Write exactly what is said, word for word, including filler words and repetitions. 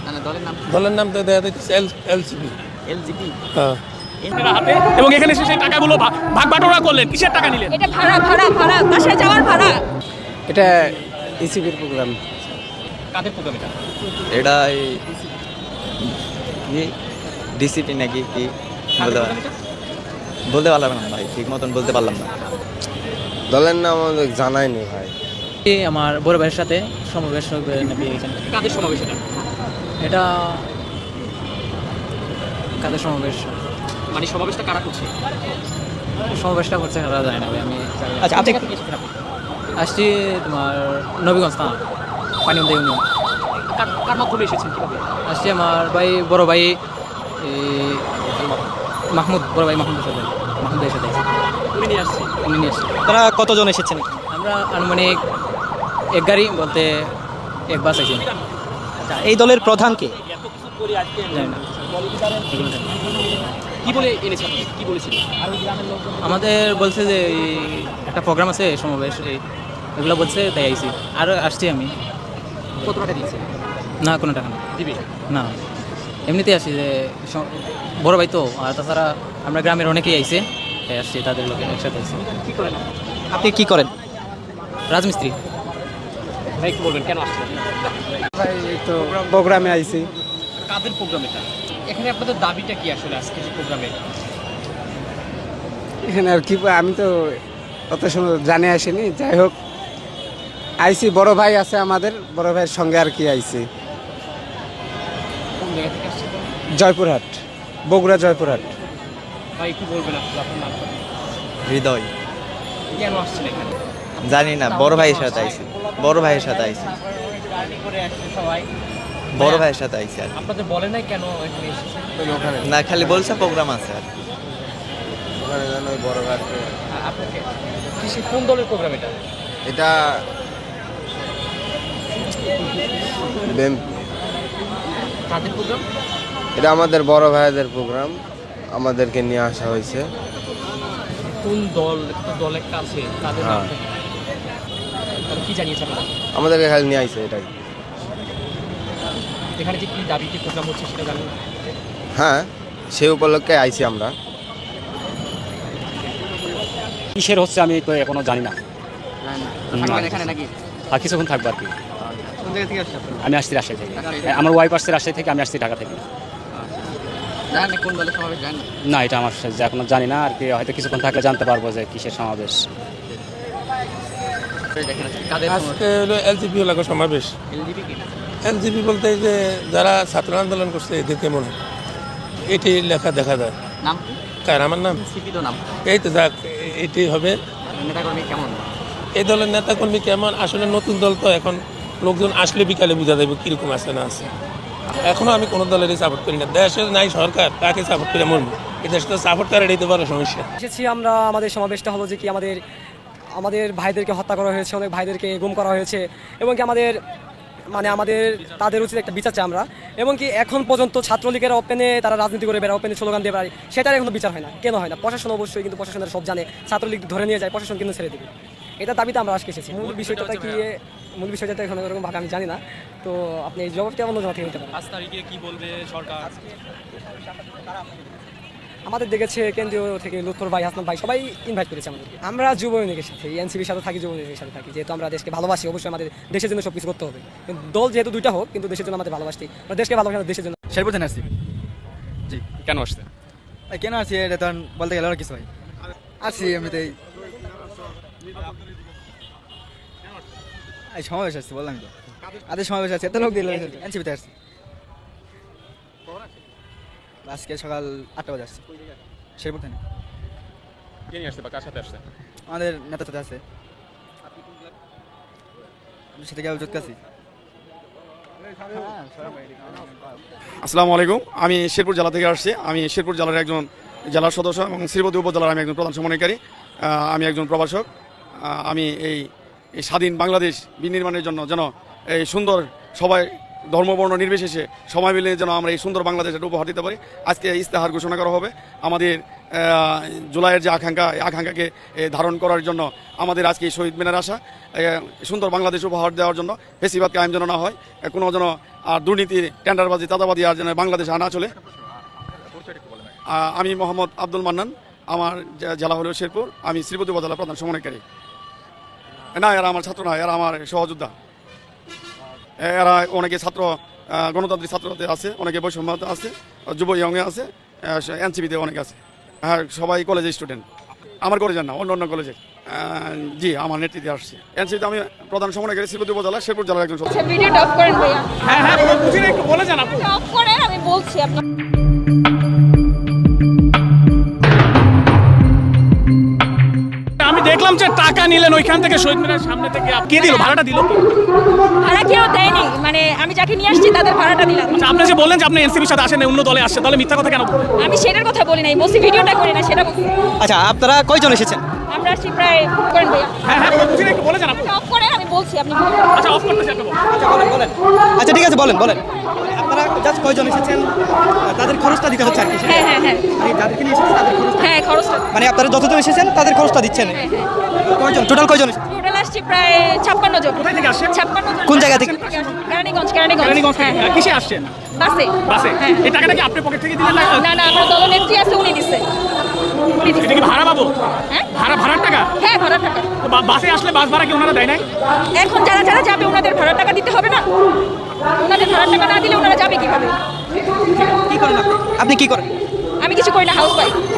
মানে দলের নাম দলের নাম তো দেখা যাচ্ছে এলসিপি। এলজিপি। হ্যাঁ। হাতে এবং এখানে এসে সেই টাকাগুলো ভাগ বাটোয়ারা করলেন, কিসের টাকা নিলেন? এটা ভাড়া ভাড়া ভাড়া বাসায় যাওয়ার ভাড়া। এটা ইসিবির প্রোগ্রাম। কাদের প্রোগ্রাম এটা? এটা কি ডিসিপি নাকি কি বলতে পার বলতে পারলাম না ভাই, ঠিক মতন বলতে পারলাম না। দলের নাম আমাদের জানায়নি ভাই। আমার বড় ভাইয়ের সাথে সমাবেশ পেয়ে গেছেন। কাদের সমাবেশ এটা? এটা কাদের সমাবেশ? মানে সমাবেশটা কারা করছে? সমাবেশটা করছে কারা জানি না ভাই, আমি আচ্ছা, আপনি এখান থেকে এসেছেন? আপনি আসছি তোমার নবীগঞ্জ থানা পানিমদা ইউনিয়ন। কার কার মাধ্যমে এসেছেন, কিভাবে? আসছি আমার ভাই বড় ভাই মাহমুদ, বড় ভাই মাহমুদের সাথে মাহমুদের সাথে উনি নিয়ে আসছে। উনি নিয়ে আসছি। তারা কতজন এসেছেন? আমরা আনুমানিক এক গাড়ি বলতে এক বাস আছি। আচ্ছা, এই দলের প্রধান কে? জানি না। কি বলে এনেছে আপনাকে? কি বলেছিল? আমাদের বলছে যে এই একটা প্রোগ্রাম আছে সমাবেশ, এই এগুলো বলছে তাই আইসি। আর আসছি আমি। কত টাকা দিয়েছে? না কোনো টাকা না দিবে না, এমনিতেই আসি যে স- বড় ভাই তো, আর তাছাড়া আমরা গ্রামের অনেকেই আইছে, তাই আসছি তাদের লোকে একসাথে আসছি। কি করেন আপনি? কি করেন? রাজমিস্ত্রি। ভাই কি বলবেন, কেন আসছেন? ভাই এই তো প্রোগ্রামে আইছি। কাদের প্রোগ্রাম এটা? এখানে আপনাদের দাবিটা কি আসলে আজকে যে প্রোগ্রামে? এখানে আর কি আমি তো অত সময় জানে আসিনি, যাই হোক আইছি। বড় ভাই আছে আমাদের, বড় ভাইয়ের সঙ্গে আর কি আইছি। কোন জায়গা থেকে আসছেন? জয়পুরহাট, বগুড়া জয়পুরহাট। ভাই একটু বলবেন আসলে আপনার নাম? হৃদয়। কেন আসছেন এখানে? জানি না, বড় ভাইয়ের সাথে আইছি। বড় ভাইয়ের সাথে আইছি। জার্নি করে আসছে সবাই। বড় ভাইয়ের সাথে আইছি আর কি। আপনাদের বলে নাই কেন এখানে এসেছেন? না, খালি বলছে প্রোগ্রাম আছে আর কি। ওখানে জানো বড় ভাই আ- আপনাকে কিসে, কোন দলের প্রোগ্রাম এটা? এটা কাদের প্রোগ্রাম? এটা আমাদের বড় ভাইদের প্রোগ্রাম, আমাদেরকে নিয়ে আসা হয়েছে। কোন দল? একটা দল একটা আছে, তাদের নাম হ্যাঁ। তাহলে কি জানিয়েছে আপনারা? আমাদেরকে খালি নিয়ে আইছে এটাই। এখানে যে কি দাবিতে প্রোগ্রাম হচ্ছে সেটা জানেন? হ্যাঁ, সেই উপলক্ষে আইছি আমরা। কিসের হচ্ছে আমি তো এখনো জানি না। থাকবেন এখানে নাকি? আর কিছুক্ষণ থাকবো আর কি। কোন জায়গা থেকে আসছেন আপনি? আমি আসছি রাজশাহী থেকে। ঢাকা থেকে? আমার ওয়াইফ আসছে রাজশাহী থেকে, আমি আসছি ঢাকা থেকে। জানেন না কোন দলের সমাবেশ? জানেন না? না, এটা আমার সাথে এখনো জানি না আর কি, হয়তো কিছুক্ষণ থাকলে জানতে পারবো যে কিসের সমাবেশ। দেখেন আজকে কাদের আজকে হলো এলজিপি হলো সমাবেশ। এলজিপি কি? এলজিপি বলতে এই যে যারা ছাত্র আন্দোলন করছে এদেরকে মনে হয় এটি লেখা দেখা যায়। নাম কি? কার আমার নাম? সিপি তো নাম। এই তো যাক, এটি হবে। নেতাকর্মী কেমন? এই দলের নেতাকর্মী কেমন, আসলে নতুন দল তো, এখন লোকজন আসলে বিকালে বোঝা যাবে কীরকম আছে না আছে। এখনও আমি কোনো দলেরই সাপোর্ট করি না। দেশে নাই সরকার, তাকে সাপোর্ট করে মরবো। এই দেশটা সাপোর্ট করে এটাই তো বড় সমস্যা। এসেছি আমরা, আমাদের সমাবেশটা হলো যে কি আমাদের আমাদের ভাইদেরকে হত্যা করা হয়েছে, অনেক ভাইদেরকে গুম করা হয়েছে, এবং কি আমাদের মানে আমাদের তাদের উচিত একটা বিচার চাই আমরা। এবং কি এখন পর্যন্ত ছাত্রলীগের ওপেনে তারা রাজনীতি করে বেড়ায়, ওপেনে স্লোগান দিয়ে বেড়ায়, সেটার এখনো বিচার হয় না। কেন হয় না? প্রশাসন অবশ্যই, কিন্তু প্রশাসনের সব জানে, ছাত্রলীগ ধরে নিয়ে যায়, প্রশাসন কিন্তু ছেড়ে দিবে। এটা দাবিতে আমরা আজকে এসেছি। মূল বিষয়টা কি, মূল বিষয়টা এখন এরকম ভাবে আমি জানি না, তো আপনি এই জবাবটা অন্য জমা থেকে নিতে পারেন। পাঁচ তারিখে কি বলবে সরকার? আমাদের দেখেছে কেন্দ্রীয় থেকে লুৎফর ভাই, হাসনাত ভাই, সবাই ইনভাইট করেছে আমাদের। আমরা যুব ইউনিকের সাথে, এনসিপির সাথে থাকি, যুব ইউনিকের সাথে থাকি, যেহেতু আমরা দেশকে ভালোবাসি, অবশ্যই আমাদের দেশের জন্য সব কিছু করতে হবে। কিন্তু দল যেহেতু দুইটা হোক, কিন্তু দেশের জন্য আমাদের ভালোবাসি, আমরা দেশকে ভালোবাসি, দেশের জন্য। শেরপুর থেকে আসছি। জি। কেন আসছে? ভাই কেন আসছি এটা তখন বলতে গেলে অনেক কিছু ভাই। আসছি এমনিতেই। এই সমাবেশ আসছি, বললাম তো। আদের সমাবেশ আছে, এত লোক দিল, এনসিপিতে আসছি। আজকে সকাল আটটা বাজে আসছি। শেরপুর থেকে। কে নিয়ে আসছে বা কার সাথে আসছে? আমাদের নেতার সাথে আছে। সেটা কি জোটকাছি? আসসালামু আলাইকুম, আমি শেরপুর জেলা থেকে আসছি। আমি শেরপুর জেলার একজন জেলার সদস্য এবং শ্রীপতি উপজেলার আমি একজন প্রধান সমন্বয়কারী। আমি একজন প্রভাষক। আমি এই স্বাধীন বাংলাদেশ বিনির্মাণের জন্য যেন এই সুন্দর সবাই ধর্মবর্ণ নির্বিশেষে সবাই মিলে যেন আমরা এই সুন্দর বাংলাদেশের উপহার দিতে পারি। আজকে ইস্তেহার ঘোষণা করা হবে আমাদের আহ, জুলাইয়ের যে আকাঙ্ক্ষা এই আকাঙ্ক্ষাকে এ, ধারণ করার জন্য আমাদের আজকে এই শহীদ মিনার আসা এ, সুন্দর বাংলাদেশ উপহার দেওয়ার জন্য বেশিরভাগ কায়েম যেন না হয়, এ, কোনো যেন আর দুর্নীতি টেন্ডারবাজি চাঁদাবাজি আর যেন বাংলাদেশে না চলে। আহ, আমি মোহাম্মদ আব্দুল মান্নান, আমার জে- জেলা হলো শেরপুর, আমি শ্রীপতি উপজেলা প্রধান সমন্বয়কারী। না, এরা আমার ছাত্র না, এরা আমার সহযোদ্ধা। এরা অনেকে ছাত্র আহ, গণতান্ত্রিক ছাত্রদের আছে, অনেকে বৈষম্য আছে, যুব ইয়ংয়ে আছে, এনসিপিতে অনেক আছে। হ্যাঁ, সবাই কলেজের স্টুডেন্ট। আমার কলেজের না, অন্য অন্য কলেজের। আহ, জি, আমার নেতৃত্বে আসছে। এনসিপিতে আমি প্রধান সমন্বয়কারী শ্রীপতি উপজেলা শেরপুর জেলার একজন সদস্য। ভিডিওটা অফ করেন ভাইয়া। হ্যাঁ হ্যাঁ বুঝিনি, একটু বলে যান আপু। অফ করেন, আমি বলছি আপনার। আমি দেখলাম যে টাকা নিলেন ওইখান থেকে শহীদ মিনারের সামনে থেকে। আপ- কে দিল ভাড়াটা দিল কে? ভাড়া কেউ দেয়নি, মানে আমি যাকে নিয়ে আসছি তাদের ভাড়াটা দিলাম। আচ্ছা, আপনি যে বললেন যে আপনি এনসিপির সাথে আসেন, অন্য দলে আসছে, তাহলে মিথ্যা কথা কেন বললেন? আমি সেটার কথা বলি নাই, বলছি ভিডিওটা করি না সেটা বলছি। আচ্ছা, আপনারা কয়জন এসেছেন? আমরা আসছি প্রায় করেন ভাইয়া। হ্যাঁ হ্যাঁ বুঝিনি, একটু বলে যান আপু। অফ করেন, আমি বলছি আপনি বলুন। আচ্ছা অফ করতেছি, আপনি বলুন। আচ্ছা, বলেন বলেন। আচ্ছা, ঠিক আছে, বলেন বলেন। আপনারা জাস্ট কয়জন এসেছেন? তাদের খরচটা দিতে হচ্ছে আর কি। হ্যাঁ হ্যাঁ হ্যাঁ মানে যাদেরকে নিয়ে এসেছেন তাদের খরচ, হ্যাঁ খরচটা। মানে আপনারা যতজন এসেছেন তাদের খরচটা দিচ্ছেন। হ্যাঁ হ্যাঁ কয়জন টোটাল কয়জন এসেছেন? টোটাল আসছি প্রায় ছাপ্পান্ন জন। কোথায় থেকে আসছেন? ছাপ্পান্ন জন। কোন জায়গা থেকে? কেরানীগঞ্জ। কেরানীগঞ্জ কেরানীগঞ্জ থেকে। হ্যাঁ হ্যাঁ কিসে আসছেন? বাসে। বাসে। হ্যাঁ। এই টাকাটা কি আপনি পকেট থেকে দিলেন না? না না, আমার দলনেত্রী আছে, উনি দিচ্ছে। উনি দিচ্ছে। এটা কি ভাড়া পাবো? হ্যাঁ ভাড়া ভাড়ার টাকা? হ্যাঁ ভাড়া টাকা। তো বা- বাসে আসলে বাস ভাড়া কি ওনারা দেয় নাই? এখন যারা যারা যাবে ওনাদের ভাড়া টাকা দিতে হবে না? ওনাদের ভাড়া টাকা না দিলে ওনারা যাবে কিভাবে? কি করেন আপনি? আপনি কি করেন? আমি কিছু করি না, হাউস ওয়াইফ।